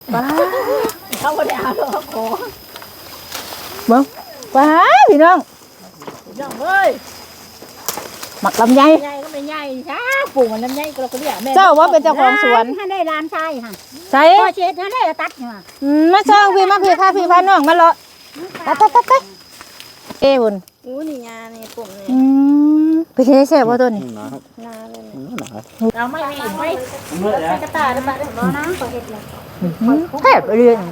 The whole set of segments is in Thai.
ป้าเขาบ่ได้เอาหรอกขอเบิ่งป้าพี่น้องน้องเอ้ยหมักลำไยใหญ่ก็ไม่ใหญ่ช้าปลูกมันลำไยก็เราก็เรียกแม่เจ้าว่าเป็นเจ้าของสวนถ้าได้ร้านชายค่ะใช่พอเช็ดถ้าได้ตัดเนี่ยมาช่องพี่มาพี่พาพี่พาน้องมาเลาะตัดเอ้บุญอู้นี่ยานี่ปลูกนี่ไปเทแซ่บบ่ตัวนี้นาเลยเราไม่มีไม่กระตาได้บ้างบ่นะขอเฮ็ดเลยแซ่บเรื่อย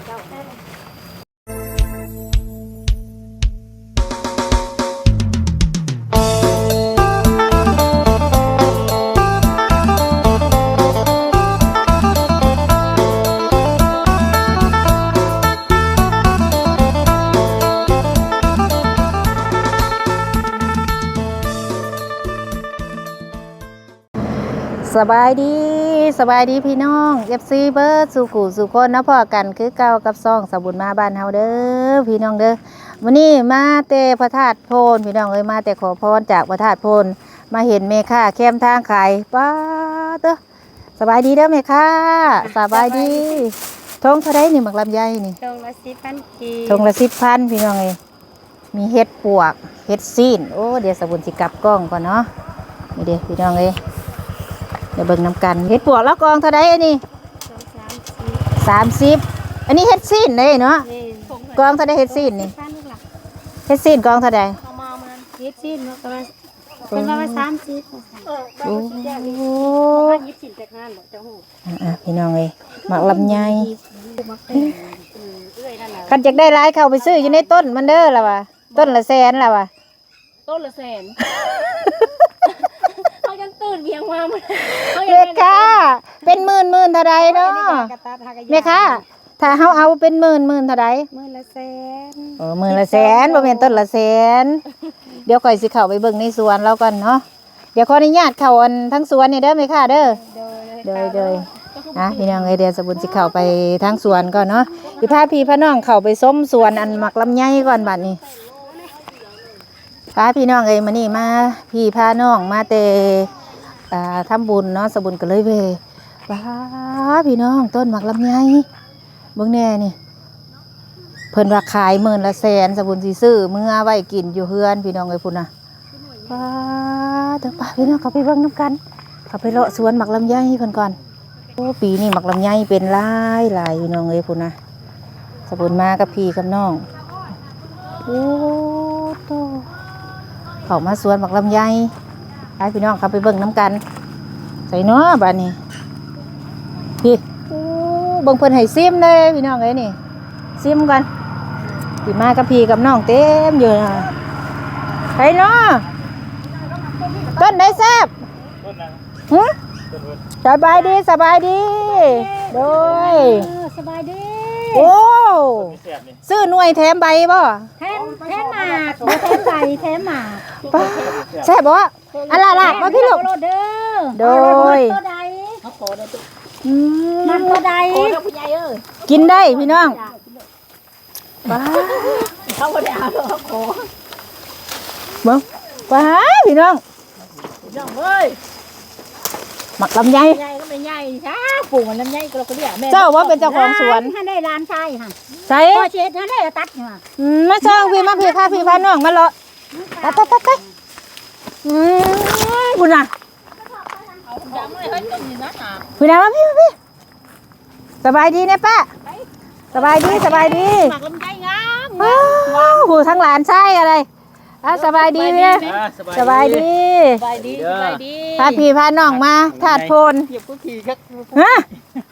สบายดีพี่น้อง FC เบิร์ดสู่กูสู่คนนะพ่อกันคือเก่ากับซ่องสบุญมาบ้านเฮาเด้อพี่น้องเด้อวันนี้มาแต่พระธาตุโพนพี่น้องเอ้ยมาแต่ขอพรจากพระธาตุโพนมาเห็นแม่ค้าแคมทางขายป้าเด้อสบายดีเด้อแม่ค้าสบายดีทงเท่าไดนี่หมักลำไยนี่ทงละ10,000 กีทงละ10,000พี่น้องเอ้ยมีเห็ดปวกเห็ดซีนโอ้เดี๋ยวสบุญสิกลับกล้องก่อนเนาะนี่เด้อพี่น้องเอ้ยเดี๋ยวเบิ่งน้ำกันเห็ดปวกแล้วกองเท่าไดอันนี้30อันนี้เห็ดซีนเลยเนาะกองเท่าไดเห็ดซีนนี่เห็ดซีนกองเท่าไดเอามามันเฮ็ดซีนมันก็เป็นว่า30 โอ้โห 20แต่งานบ่เจ้าฮู้พี่น้องเอ้ยหมักลำไยเอื้อยนั่นน่ะคันจักได้หลายเข้าไปซื้ออยู่ในต้นมันเด้อล่ะว่ะต้นละแสนล่ะว่ะต้นละแสนเขายังตื่นเบียงมามันเม็ดค่ะเป็นหมื่นเท่าใดเนาะแม่ค่ะถ้าเฮาเอาเป็นหมื่นเท่าใดมื้อละแสนหมื่นละแสนบ่แม่นต้นละแสนเดี๋ยวข่อยสิเข้าไปเบิ่งในสวนเราก่อนเนาะเดี๋ยวขออนุญาตเข้าอันทั้งสวนนี่เด้อแม่ค่ะเด้อโดยพี่น้องเอ้ยเดี๋ยวสบุญสิเข้าไปทั้งสวนก่อนเนาะสิพาพี่พาน้องเข้าไปส้มสวนอันหมักลำไยก่อนบัดนี้พาพี่น้องเอ้ยมานี่มาพี่พาน้องมาแต่ทำบุญเนาะสบุญก็เลยเวว้าพี่น้องต้นหมักลำไยเบิ่งแน่นี่เพิ่นว่าขายหมื่นละแสนสบุญสิซื้อเมื่อไว้กินอยู่เฮือนพี่น้องเอ้ยพุ่นน่ะว้าเดี๋ยวป้าพี่น้องเข้าไปเบิ่งน้ำกันเข้าไปเลาะสวนหมักลำไยเพิ่นก่อนโอ้ปีนี้หมักลำไยเป็นหลายพี่น้องเอ้ยพุ่นน่ะสบุญมากับพี่กับน้องโอ้โตเข้ามาสวนหมักลำไยให้พี่น้องเข้าไปเบิ่งน้ำกันใส่เนาะบ้านนี้พี่โอ้เบิ่งเพิ่นให้ซิมเลยพี่น้องเอ้ยนี่ซิมกันพี่มากับพี่กับน้องเต็มอยู่นะไปเนาะต้นได้แซ่บสบายดีโดยสบายดีโอ้ซื้อหน่วยแถมใบบ่แถมหมากแถมใบแถมหมากป้าแซ่บบ่อันละมาพี่ลูกเด้อโดยตัวใดมันตัวใดผู้ใหญ่เอ้ยกินได้พี่น้องป้าเขาบ่ได้เอาหรอกขอเบิ่งป้าพี่น้องน้องเอ้ยหมักลำไยใหญ่ก็ไม่ใหญ่ช้าปลูกมันลำไยก็เราก็เรียกแม่เจ้าว่าเป็นเจ้าของสวนถ้าได้ร้านชายค่ะใช่พอเช็ดถ้าได้ตัดเนี่ยมาช่องพี่มาพี่พาพี่พาน้องมาเลาะตัดคุณน่ะดำเลยเฮ้ยต้นนี่นะหาคุณน่ะมาพี่สบายดีเนี่ยป้าสบายดีหมากลำไยงามว้าวหูทั้งหลานใช่อะไรสบายดีเนี่ยสบายดีสบายดีพาพี่พาน้องมาธาตุโพนเหยียบกุฏิครับฮะ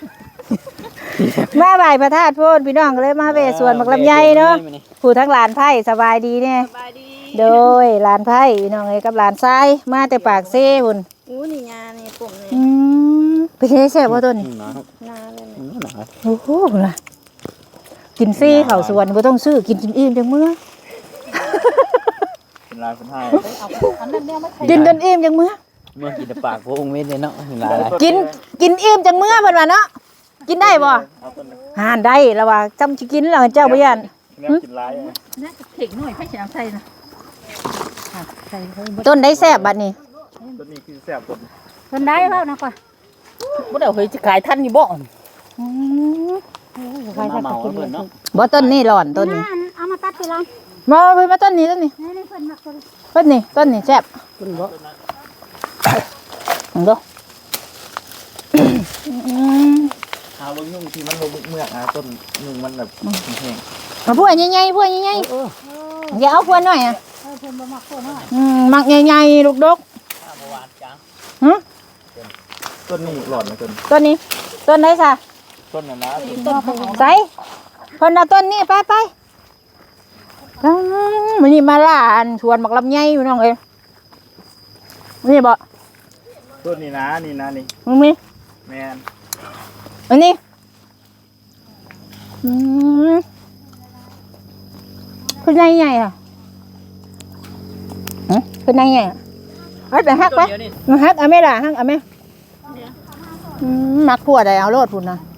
มาไหว้พระธาตุโพนพี่น้องก็เลยมาเวสวนหมักลำไยเนาะผู้ทั้งหลานไผ่สบายดีเนี่ยสบายดีโดยหลานไผ่พี่น้องเอ้ยกับหลานทรายมาแต่ปากเซ่พุ่นอู้นี่ยานี่ปลูกนี่ไปเทแซ่บบ่ต้นนาเลยโอ้โหล่ะกินซี่เขาสวนบ่ต้องซื้อกินอิ่มจังมื้อลายคนไทยอันนั้นเนี่ยไม่กินจนอิ่มจังมื้อเมื่อกินปากพวกองค์เม็ดเลยเนาะลายกินอิ่มจังมื้อเพิ่นว่าเนาะกินได้บ่หานได้แล้วว่าจำสิกินแล้วเจ้าบ่ยันกินลายน่าจะเด็กหน่อยให้ฉันใส่นะใส่ต้นได้แซ่บบัดนี้ตัวนี้คือแซ่บตัวคนได้เปล่านะก่อนบ่ได้เฮ้ยจะขายท่านนี่บ่อืมใครสักกินเลยบ่ต้นนี้หล่อนต้นนี้เอามาตัดไปแล้วบ่เพิ่นมาต้นนี้ต้นนี้นี่เพิ่นมักคนต้นนี้ต้นนี้แซ่บคุณบ่ลองดูหาลงยุ่งที่มันลงเมือกต้นยุ่งมันแบบแห้งมาพวกใหญ่ๆพวกใหญ่ๆอย่าเอาพวกน้อยอ่ะเพิ่นบ่มักคนน้อยมักใหญ่ๆลูกดกฮะต้นนี้หลอดนะต้นต้นนี้ต้นไหนซะต้นน่ะนะใส่เพิ่นเอาต้นนี้ไปมื้อนี้มาล่าอันสวนมักลำไยอยู่น้องเอ้ยนี่บ่ต้นนี้นะนี่นะนี่มึงมีแมนอันนี้เป็นไงไงอ่ะเป็นไงไงเฮ้ยไปฮักไปฮักเอาไม่ล่ะฮักเอาไม่มักพวดได้เอาโลดพุ่นนะ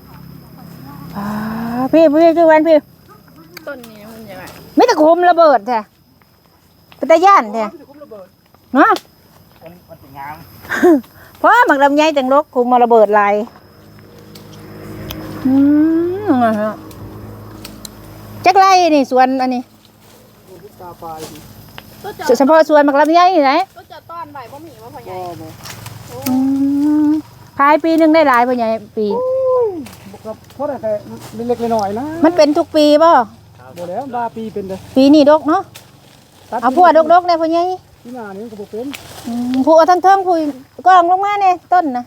พี่คือวันพี่ต้นนี้มันยังไงไม่ตะคุมระเบิดแท้เป็นตะย่านแท้เนาะมันจะงามเพราะหมักลำไยจังลกคุมมาระเบิดลายจักไรนี่สวนอันนี้เฉพาะสวนหมักลำไยนี่ไหนก็จะต้อนใบบ่มีบ่พ่อใหญ่ขายปีหนึงได้หลายป่ะใหญ่ปีเพราะแต่เล็กๆน้อยๆนะมันเป็นทุกปีป่ะบ่แล้วบาปีเป็นเด้อปีนี้ดกเนาะเอาพวดกๆเนี่ยพ่อใหญ่ที่หน้านี้ก็บ่เป็นผู้เอาทั้งเทิงผู้กองลงมาเนี่ยต้นนะ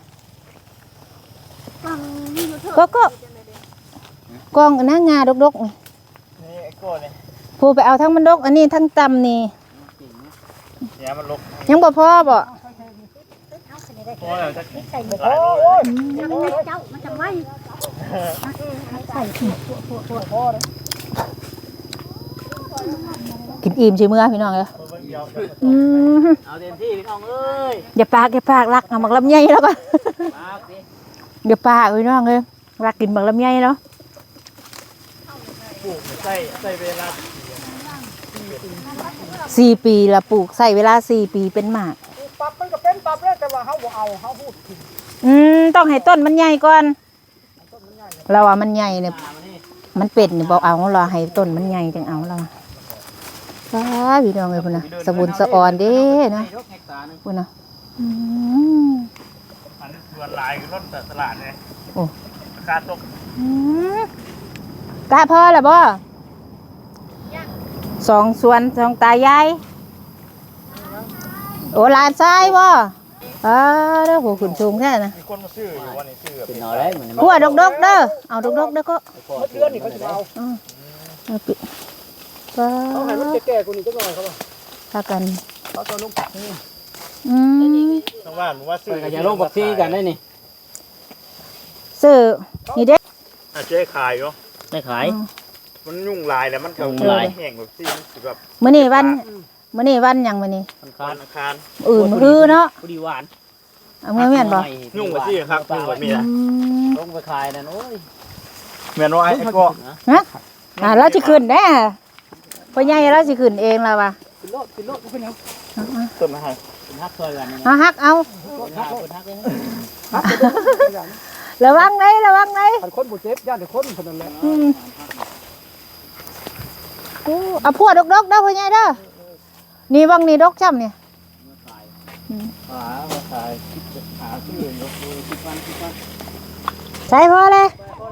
ก็กองหน้างาดกๆนี่นี่ไอ้ก้อนนี่ผู้ไปเอาทั้งมันดกอันนี้ทั้งตำนี่เนี่ยมันลกยังบ่พอบ่พอแล้วจะใส่บ่หลายโลเจ้ามันจะไว้ใส่กินอิ่มใช่มื้อพี่น้องเอ้ยเอาเต็มที่พี่น้องเอ้ยอย่าปากรักเอาหมักลำไยแล้วก่อนอย่าปากพี่น้องเอ้ยรักกินหมักลำไยเนาะปลูกใส่เวลา 4 ปีละปลูกใส่เวลา4 ปีเป็นหมากปรับมันก็เป็นปรับแล้วแต่ว่าเฮาบ่เอาเฮาพูดถึงต้องให้ต้นมันใหญ่ก่อนเราว่ามันใหญ่เนี่ยมันเป็ดเนี่ยบอกเอาเราให้ต้นมันใหญ่จังเอาเราว้าพี่น้องเอ้ยพุ่นน่ะสะบุญสะออนเด้นะพุ่นน่ะอันนี้ส่วนลายคือต้นตลาดเลยโอ้ราคาตกกะพอแล้วบ่สองสวนสองตายายโอ้หลานชายบ่เด้อโหขึ้นสูงแท้นะมีคนมาซื้ออยู่วันนี้ซื้อแบบเป็นนอได้เหมือนพวดดกๆเด้อเอาดกๆเด้อก็เดือนนี่เขาสิเอาเอาปิว้าเอาให้มันแก่ๆกว่านี้จักหน่อยครับว่าพากันเอาตัวลงปักนี่น้องว่าผมว่าซื้อก็จะลงบักซี่กันได้นี่ซื้อนี่เด้เจ๊ขายอยู่ได้ขายมันยุ่งลายแล้วมันยุ่งลายแห้งแบบซี่มันแบบมื้อนี้วันหยังมื้อนี้มันวัคานอังคารอื่นมื้อเนาะพอดีหวานเอามื้อแม่นบ่ยุ่งไปซี่ครับยุ่งแบบนี้นะลงไปขายนั่นโอ้ยแม่นว่าไอ้ก็ฮะเราสิขึ้นแน่พ่อใหญ่เราสิขึ้นเองแล้วว่ะกินโลดบ่เป็นหยังต้นมาให้เป็นฮักซอยกันนี่เอาฮักเอาเป็นฮักเลยระวังไหนคันคนบ่เจ็บย่านแต่คนเท่านั้นแหละเอาพวดดกๆเด้อพ่อใหญ่เด้อนี่วังนี่ดกจ้ำเนี่ยขายหาซื้อเองก็คือ10 วันใส่พอเลย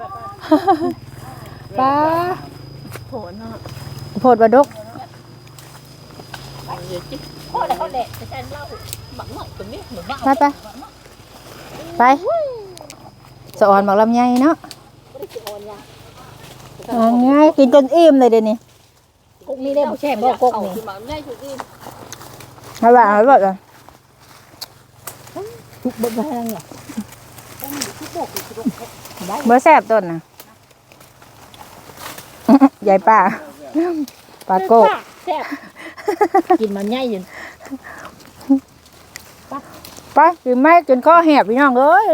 ป้าโพดว่าดกพ่อแล้วเขาแหละแต่ฉันเล่าบักหน่อยตรงนี้เหมือนว่าไปสะออนบอกลำไยเนาะง่ายกินจนอิ่มเลยเดี๋ยวนี้กุ๊กนี่ได้บ่แช่บ่กุ๊กนี่คือมันได้ถูกอีเอาแบบเลยทุกบ่ได้แล้วเนี่ยเมื่อแซ่บต้นนะยายป้าปลาโก้แซ่บกินมันใหญ่อยู่ไปกินไม่จนข้อแหบพี่น้องเอ้ย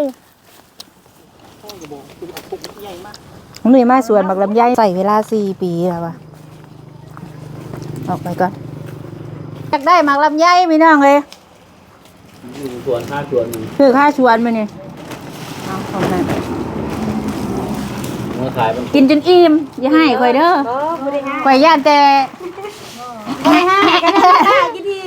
นี่มาสวนบักลำไยใส่เวลา4 ปีแล้ววะออกไปก่อนอยากได้หมากลำไยพี่น้องเลยอยู่สวน5 สวนคือค่าชวนมาเนี่ยเอาของนั้นมือขายมันกินจนอิ่มอย่าให้ข่อยเด้อข่อยย่านแต่บ่ได้ให้กันได้กินดี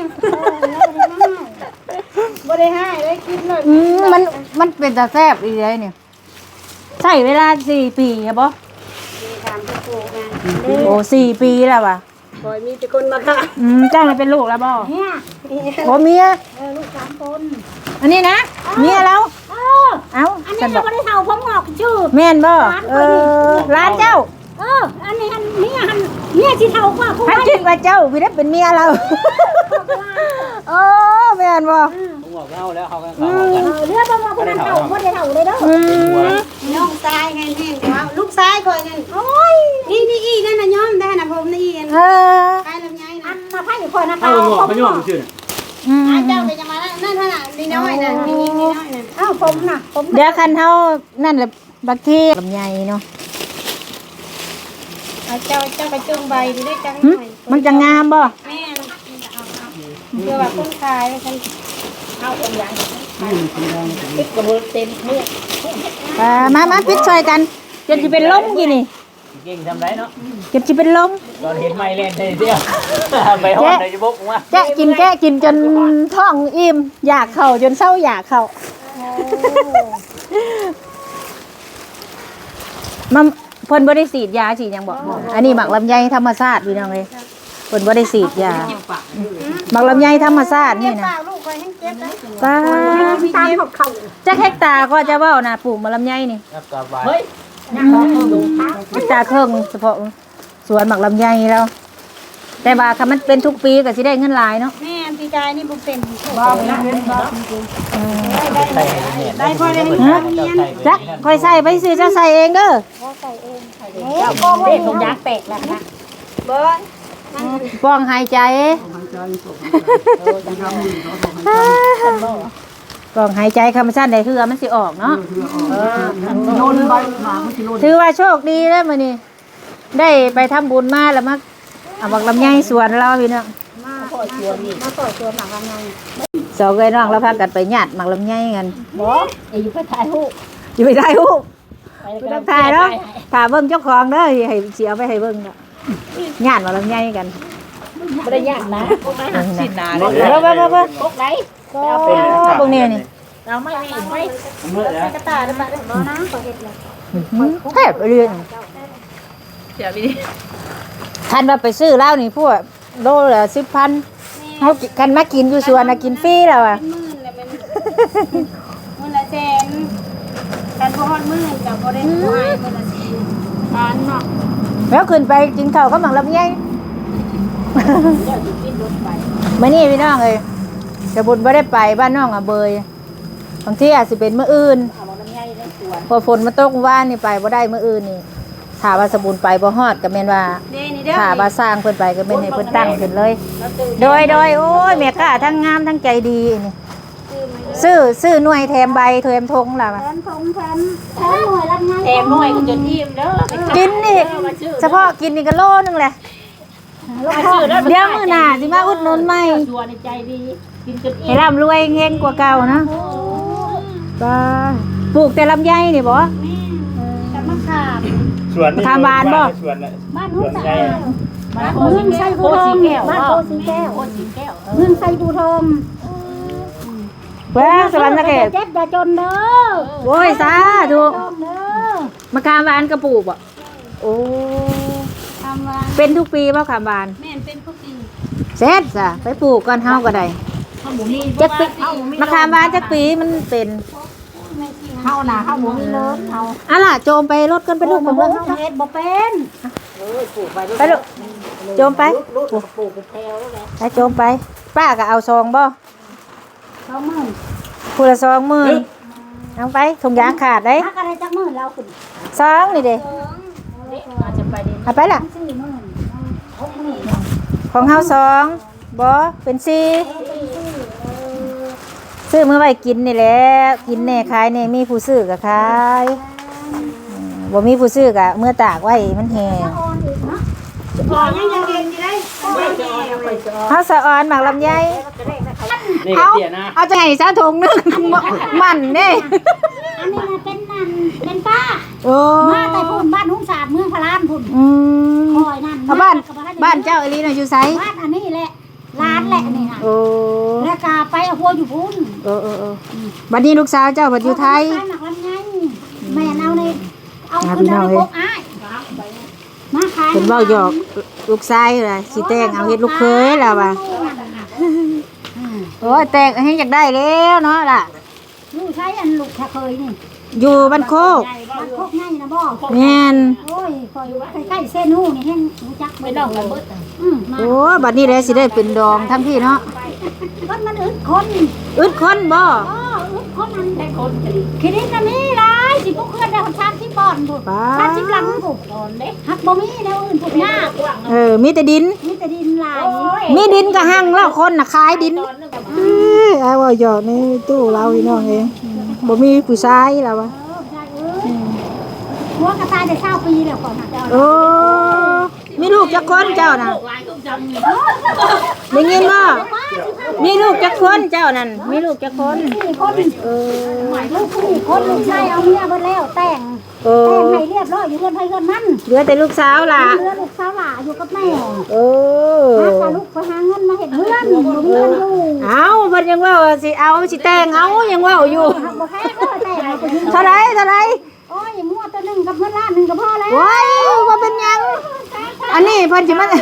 บ่ได้ให้ได้กินเลยมันเป็นตาแซ่บอีเลยเนี่ยใช้เวลา4 ปีครับบ่ถามที่ปลูกงานโอ้4 ปีแล้วว่ะคอยมีแต่คนมาค่ะจ้างเลยเป็นลูกแล้วบ่เนี่ยโอ้เมียลูก3คนอันนี้นะเมียแล้ว เอ้าอันฉันี้นบเราอกบ่ได้เฒ่าผมงอกชื่อแม่นบ่ร้านเจ้าอันนี้เนี่ยสิเฒ่ากว่าผู้ท่านคิดว่าเจ้าพี่ได้เป็นเมียเราโอ้แม่นบ่ผมบอกเล่าแล้วเขากันเขากันเรือบ่มาผู้นั้นเฒ่าบ่ได้เฒ่าเลยเด้อน้องชายไงแม่นลูกชายข่อยนั่นโอ้ยนี่อีนั่นน่ะย้อมได้น่ะผมนี่อีเออใครลำไยนะมาพ่ายข่อยนะเอาหงอกเขาหงอกชื่อเจ้าไปจะมานั่นน่ะนี่น้อยน่ะนี่น้อยน่ะอ้าวผมน่ะผมเดี๋ยวคันเฮานั่นแหละบักทีลำไยเนาะเจ้าไปจุงใบดีได้จังหึมันจะงามบ่แม่เพื่อว่าคนขายฉันเอาคนอย่างติดกระเบื้องเต็มเมื่อมาปิดช่วยกันจนสิเป็นลมกี่นี่เก่งทำไรเนาะจนสิเป็นลมตอนเห็นไม้เล่นได้เดียวไปห้องในจะบกว่าแกะกินจนท้องอิ่มอยากเข้าจนเศร้าอยากเข้ามันเพิ่นบ่ได้ฉีดยาฉีดหยังบ่อันนี้หมักลำไยธรรมชาติพี่น้องเอ้ยเพิ่นบ่ได้ฉีดยาหมักลำไยธรรมชาตินี่นะลูกคอยให้เจ็บได้ป้าตามเขาเขาจักเฮกตาร์ก็จะเว้านะปลูกมะลำไยนี่แล้วก็ไปเฮ้ยเฮกตาร์ครึ่งเฉพาะสวนหมักลำไยแล้ว แต่ว่าคันมันเป็นทุกปีก็สิได้เงินหลายเนาะแม่พี่กายนี่บุเป็นบ้าไปนะเห็นบ้าได้พอได้จักค่อยใส่ไปซื้อเจ้าใส่เองเด้อเจ้าโกงเป็นของยางแตกแล้วนะเบิ้ลป้องหายใจหายใจตกยามมือเขาทำป้องหายใจธรรมชาติได้คือมันสิออกเนาะโยนใบหมาไม่กินโยนถือว่าโชคดีแล้วมื้อนี้ได้ไปทำบุญมาแล้วมาเอาหมักลำไยสวนเราพี่น้องมาปล่อยตัวนี่มาปล่อยตัวหนังยังไงสองเอ้ยน้องเราพากันไปญาติหมักลำไยกันบอกอยู่ไปถ่ายรูปอยู่ไปถ่ายรูปถ่ายเนาะถ่ายเบิ่งเจ้าของเด้อให้สิเอาไปให้เบิ่งเนาะญาติหมักลำไยกันไม่ได้ยากนะสินาเบิ่งพวกไหนพวกนี้นี่เราไม่ไม่เมื่อแล้วกระตาได้ปะเนาะนะขอเห็ดเลยแทบเรื่องคันว่าไปซื้อเหล้านี่พวกโลละ10,000เฮาคันมากินอยู่สวนน่ะกินฟรีแล้วอ่ะเป็นหมื่นเลยเป็นหมื่นละแสนการพอดหมื่นกับพอได้หวยหมื่นละแสนบ้านเนาะแล้วขึ้นไปกินข้าวกับหมักลำไยเดี๋ยวจะกินรถไปมื้อนี้พี่น้องเอ้ยจะบุญบ่ได้ไปบ้านน้องอ่ะเบยบางทีอาจสิเป็นมื้ออื่นเอาลำไยได้สวนพอฝนมาตกว่านนี่ไปบ่ได้มื้ออื่นนี่ถ้าว่าสบุญไปบ่ฮอดก็แม่นว่าเด้นี่เด้อถ้าว่าสร้างเพิ่นไปก็แม่นให้เพิ่นตั้งขึ้นเลย โดยโอ้ยแม่ค้าทั้งงามทั้งใจดีนี่ซื้อหน่วยแถมใบแถมธงล่ะแถมทงแถมหน่วยลำไยแถมหน่วยก็จนอิ่มเด้อกินนี่เฉพาะกินนี่ก็โลนึงแหละเดี๋ยวมื้อหน้าสิมาอุดหนุนใหม่ชวนในใจดีกินจนอิ่มให้ร่ำรวยเฮงกว่าเก่านะบ้าปลูกแต่ลำไยนี่บ่แต่มะขามสวนทำบ้านบ่สวนน่ะบ้านนู้นสะอาดบ้านเมืองไซบูทองบ้านโพสีแก้วเมืองไซบูทองเว้ยสวรรค์สะเกษเจ็บอย่าจนเด้อโอ้ยสาธุเด้อมะขามหวานกระปลูกบ่โอ้ทำว่าเป็นทุกปีบ่ขามหวานแม่นเป็นผู้ดีเสร็จซะไปปลูกก่อนเฮาก็ได้ข้าวหมูมีจักปีมะขามหวานจักปีมันเป็นข้าวหนาข้าวหมูมีเลิศเอาอะล่ะโจมไปรถกันไปลูกของเบิ่เบิ่งงเฮ็ดบ่เป็นไปลูกโจมไปปลูกเป็นแถวแล้วแหละไปโจมไป ป้าก็เอาซองบ่ 20,000 ผู้ละ20,000เอาไปถุงยางขาดเด้ถ้าอะไรจักมื้อเราขึ้นซองนี่เด้อาจจะไปได้เอาไปล่ะ 40,000 60,000 ของเฮาสองบ่เป็นสี่ซื้อมื้อไว้กินนี่แหละกินแน่ขายแน่มีผู้ซื้อก็ขายบ่มีผู้ซื้อก็เมื่อตากไว้มันแห้งพอยังเรียนอยู่ได้ไม่แก่ไปจ้ะเฮาสะออนหมักลำไยนี่เอาเตี้ยนะเอาจะให้ซะถุงนึงมันเด้อันนี้นะเป็นนั่นเป็นป้าโอ้มาแต่พุ่นบ้านหุ้งศาสตร์เมืองพะลานพุ่นอืมคอยนั่นเอาบ้านเจ้าอลีน่ะอยู่ไสบ้านอันนี้แหละร้านแหละนี่นะโอ้แล้วก็ไปเอาพัวอยู่พุ่นบัดนี้ลูกสาวเจ้าบัดอยู่ไทยหนักลำไยแม่เอาในเอาขึ้นเอาในพกอ้ายมาขายเพิ่นเว้าหยอกลูกชายล่ะสิแต่งเอาเฮ็ดลูกเคยล่ะว่าโอ้ยแต่งให้อยากได้แล้วเนาะล่ะลูกใช้อันลูกแค่เคยนี่อยู่บ้านโคกบ้านโคกง่ายนะบ่แม่นโอ้ยคอยใกล้ๆเส้นหูนี่แห้งรู้จักไปดอกระเบิดมาโอ้บัดนี้แหละสิได้เป็นดองทั้งพี่เนาะมันอึดคนอึดคนบ่อึดคนนั้นแค่คนคิดนะมีหลายสิพวกเพื่อนได้คนชาติที่บ่อนบุกชาติที่หลังบุกหักบ่มีแนวอื่นพวกยากมีแต่ดินมีแต่ดินหลายมีดินก็หั่งแล้วคนน่ะขายดินเอาว่าหยอกในตู้เราพี่น้องเองบ่มีผู้ชายแล้วว่ะหัวกระต่ายได้20 ปีแล้วก่อนนะโอ้มีลูกจักคนเจ้าน่ะได้ยินบ่มีลูกจักคนเจ้านั่นมีลูกจักคน 4 คนลูก4 คนลูกชายเอาเมียเบิดแล้วแต่งโอ้แต่งให้เรียบร้อยอยู่เรือนไผเรือนมันเหลือแต่ลูกสาวล่ะเหลือลูกสาวหล่าอยู่กับแม่โอ้หาลูกไปหาเงินมาเฮ็ดเรือนบ่มีเงินอยู่เอาเพิ่นยังว่าสิเอาสิแต่งเอายังว่าอยู่บ่แพ้ก็แต่งเอาไปเท่าไหร่โอ้ยงัวตัวหนึงกับเงินล้านหนึงก็พอแล้วว้ายว่าเป็นหยัง อันนี้เพิ่นสิมา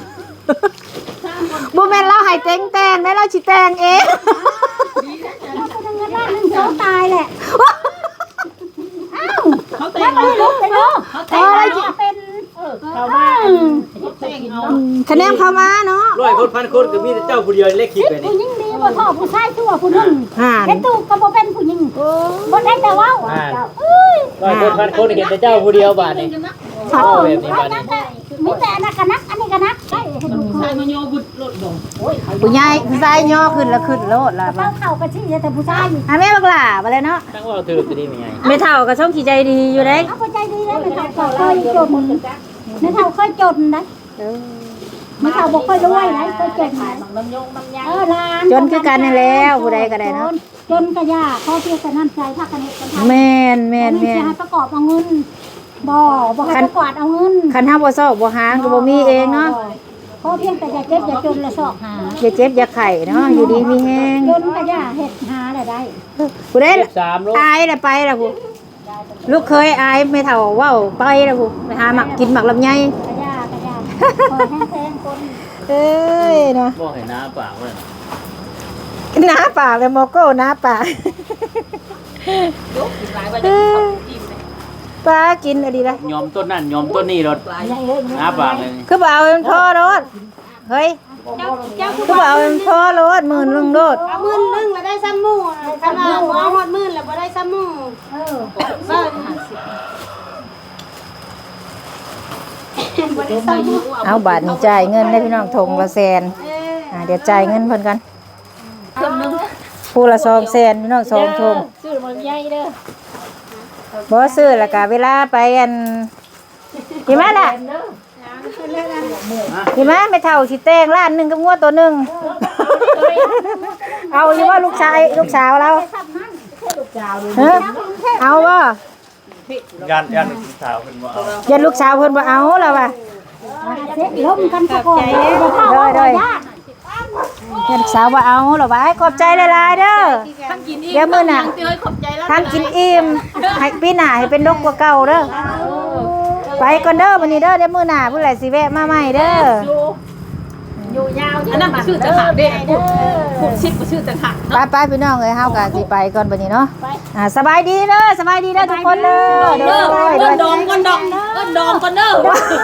บ่แม่นเราให้แต่งได้เราสิแต่งเองเอาตัวหนึงเงินล้านหนึงเขาตายแหละอ้าวเขาแต่งไม่ได้ลุกเลยเนาะเขาแต่งเป็นเขาว่าคะแนนเข้ามาเนาะ 100 คน1,000 คนก็มีแต่เจ้าผู้เดียวเลขคิดไปนี่ผู้หญิงดีบ่ท่อผู้ชายชั่วผู้หนึงห่านเห็นตูก็บ่เป็นผู้หญิงบ่ได้แต่เว้า 100 คน1,000 คนเห็นแต่เจ้าผู้เดียวบาดนี่โอ้แบบนี้บาดนี่มีแต่อันนั้นก็นักอันนี้ก็นักได้ให้ดูเคยผู้ใหญ่ผู้ชายย่อขึ้นแล้วขึ้นโลดล่ะเป้าเข้าก็ชี้แต่ผู้ชายอ่ะแม่บักหล่าบ่เลยเนาะตั้งว่าถือตัวนี้มีไงไม่เท่ากับช่องขี้ใจดีอยู่เด้เอาใจดีแล้วไม่เท่าเคยจนไม่เท่าเคยจนนะไม่เท่าบอกเคยรวยนะเคยจนร้านจนคือกันนั่นแล้วผู้ใดก็ได้เนาะจนกระยาข้อเพียงแต่น้ำใจพักกันกันทำแม่นจะให้ประกอบเอาเงินบ่ให้ประกวดเอาเงินคันเฮาบ่ซอกบ่หางก็บ่มีเองเนาะข้อเพียงแต่อย่าเจ็บอย่าจนละซอกหาอย่าเจ็บอย่าไข้เนาะอยู่ดีมีแฮงจนกระยาเห็ดหาได้ผู้ใด 3โลอายน่ะไปล่ะผู้ลูกเคยอายไม่เท่าเว้าไปล่ะผู้ไปหาหมักกินหมักลำไยกระยคอยแห้งๆคนเอ้ยเนาะบ่ให้น้าปากว่าหน้าปากเลยโมโก้หน้าปากปลากินอะไรล่ะยอมต้นนั่นยอมต้นนี่รถน้าปากเลยคือบ่เอาเป็นพ่อรถเฮ้ยคือบ่เอาเป็นพ่อรถหมื่นลงรถเอามื่นนึงแล้วได้ซ้ำหมู่คันว่าบ่เอาฮอดมื่นแล้วบ่ได้ซ้ำหมู่บ่ได้ซ้ำหมู่เอาบาทนี่จ่ายเงินได้พี่น้องทงละแสนเดี๋ยวจ่ายเงินเพิ่นกันผู้ละ200,000พี่น้อง2ทงซื้อมันใหญ่เด้อบ่ซื้อแล้วก็เวลาไปอันกี่มาล่ะกี่มาไม่เท่าสิแต่งล้านหนึงกับงัวตัวหนึงเอาอยู่ว่าลูกชายลูกสาวเราเอาบ่ยันสาวเพิ่นบ่เอายันลูกสาวเพิ่นบ่เอาแล้วว่ะล้มกันซะก่อนบ่เข้าบ่ยากยันลูกสาวบ่เอาแล้วว่ะขอบใจหลายๆเด้อเดี๋ยวมื้อหน้าทานกินอิ่มให้ปีหน้าให้เป็นนกกว่าเก่าเด้อไปก่อนเด้อมื้อนี้เด้อเดี๋ยวมื้อหน้าผู้ใดสิแวะมาใหม่เด้ออันนั้นก็ชื่อจะขาดเด้พูดชิดก็ชื่อจะขาดไปพี่น้องเอ้ยเฮาก็สิไปก่อนบัดนี้เนาะสบายดีเด้อสบายดีเด้อทุกคนเด้อเด้อเอิ้นดองก่อนดองเอิ้นดองก่อนเด้อ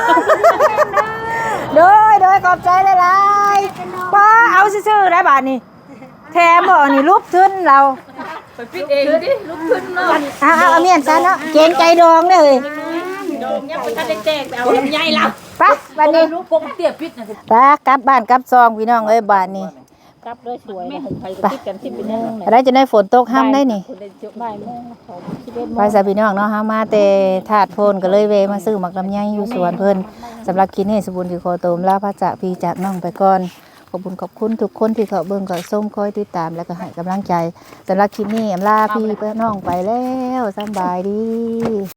โดยขอบใจหลายๆป้าเอาซื่อๆได้บาดนี้แถมบ่นี่รูปทึนเราไปปิดเองดิลุกขึ้นเนาะเอาเมียนซะเนาะเกรงใจดองเด้อดองยังบ่ทันได้แจกไปเอาลำไยล่ะไปบัดนี้ลูกปกเตี้ยปิดน่ะไปกลับบ้านกลับซองพี่น้องเอ้ยบาดนี้กลับด้วยสวยนะไปติดกันที่เป็นนึงอะไรจะได้ฝนตกห้ามได้นี่บ่ายโมง11 ไปซะพี่น้องเนาะเฮามาแต่ถาดโพนก็เลยเวะมาซื้อหมักลำไยอยู่สวนเพิ่นสำหรับคลิปนี้สมบูรณ์คือขอโตมลาพระจากพี่จากน้องไปก่อนขอบคุณทุกคนที่เขาเบิ่งเขาส้มคอยติดตามแล้วก็ให้กำลังใจสำหรับคลิปนี้อำลาพี่น้องไปแล้วสำบายดี